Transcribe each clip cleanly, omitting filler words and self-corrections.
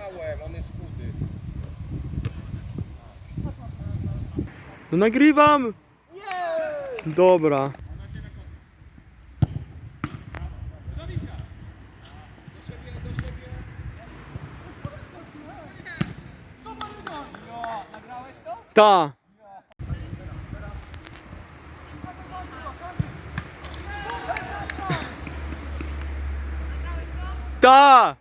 No nagrywam! Dobra. Ta! Ta!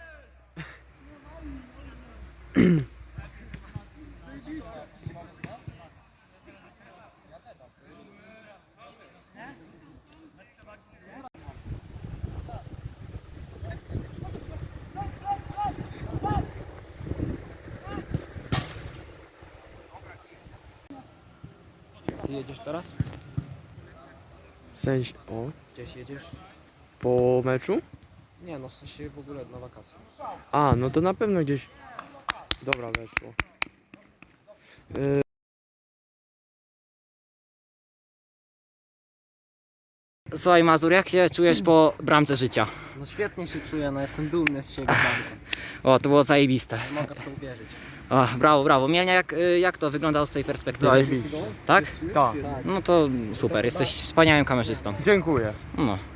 Ty jedziesz teraz? W sensie... O, Gdzieś jedziesz? po meczu? Nie no, w sensie w ogóle na wakacje. A, no to na pewno gdzieś... Dobra, weszło. Słuchaj Mazur, jak się czujesz po bramce życia? No świetnie się czuję, no jestem dumny z siebie bardzo. O, to było zajebiste. Nie mogę w to uwierzyć. O, brawo, brawo. Mielnia, jak to wyglądało z tej perspektywy? Zajebiście. Tak? Tak. No to super, jesteś wspaniałym kamerzystą. Dziękuję. No.